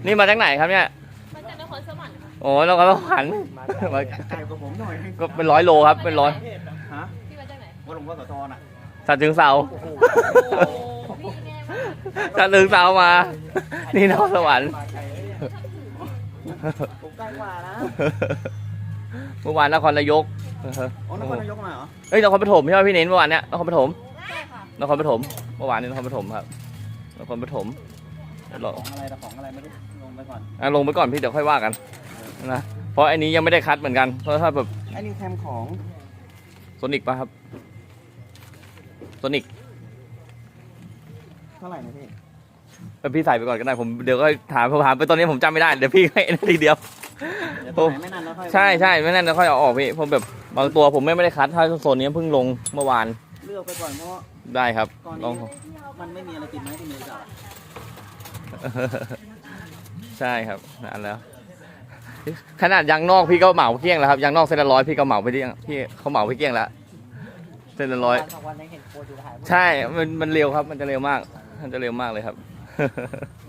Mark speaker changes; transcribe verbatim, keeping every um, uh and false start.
Speaker 1: นี่มาจากไหนครับเนี่ย
Speaker 2: มาจากนครสวรรค์ค่ะ
Speaker 1: โอ้เราก็ต้องหันมา
Speaker 3: ไกลกว่าผมหน่อย
Speaker 1: ก็เป็นร้อยโลครับเป็นร้อย
Speaker 3: ฮะ
Speaker 2: พี่มาจากไหน
Speaker 3: ว่าหลวงพ่อโสธรอ่ะ
Speaker 1: สัตว์ถึงเสา
Speaker 2: โอ้พี่แน่มาก
Speaker 1: สัตว์ถึงเสามา นี่นครสวรรค์
Speaker 3: ผมใกล้กว่านะ
Speaker 1: เมื่อวานนครนายก
Speaker 3: อ๋อนครนายกมาเหรอ
Speaker 1: เอ้ยนครปฐมใช่ไหมพี่เน้นเมื่อวานเนี้ยนครปฐม
Speaker 2: ใช่ค่ะ
Speaker 1: นครปฐมเมื่อวานนี้นครปฐมครับนครปฐมล
Speaker 3: ของอะไรแต่ของอะไรไม่รู้ลงไปก่อน
Speaker 1: อ่ะลงไปก่อนพี่เดี๋ยวค่อยว่ากันนะเพราะอันนี้ยังไม่ได้คัดเหมือนกันเพราะถ้าแบบ
Speaker 3: ไอ้นี่แคมของ
Speaker 1: โซนิกป่ะครับโซนิก
Speaker 3: เท่าไหร่นะพี่
Speaker 1: พี่ใส่ไปก่อนก็ได้ผมเดี๋ยวก็ถามผมถามไปตอนนี้ผมจำไม่ได้เดี๋ยวพี่ให้ทีเดียว
Speaker 3: เดี๋ยวตัวไหนไม่นานแล้วค่อย
Speaker 1: ใช่ใช่ไม่นั่นแล้วค่อยเอาออกพี่ผมแบบบางตัวผมไม่ได้คัดถ้าโซนนี้เพิ่งลงเมื่อวาน
Speaker 3: เลือกไปก่อนเพราะว่า
Speaker 1: ได้ครับ
Speaker 3: ตอน
Speaker 1: ลอง
Speaker 3: นี้มันไม่มีอะไรติดไม้ที่มือจับ
Speaker 1: ใช่ครับนั่นแล้ว ขนาดยางนอกพี่ก็เหมาเกลี้ยงแล้วครับยางนอกเส้นละร้อยพี่ก็เหมาไปเกลี้ยงพี่เขาเหมาไปเกลี้ยงแล้วเส้นละร้อย
Speaker 3: สองวันนี้เห็นโคตรอยู่ถ่าย
Speaker 1: ใช่มันมันเร็วครับ มันจะเร็วมากมันจะเร็วมากเลยครับ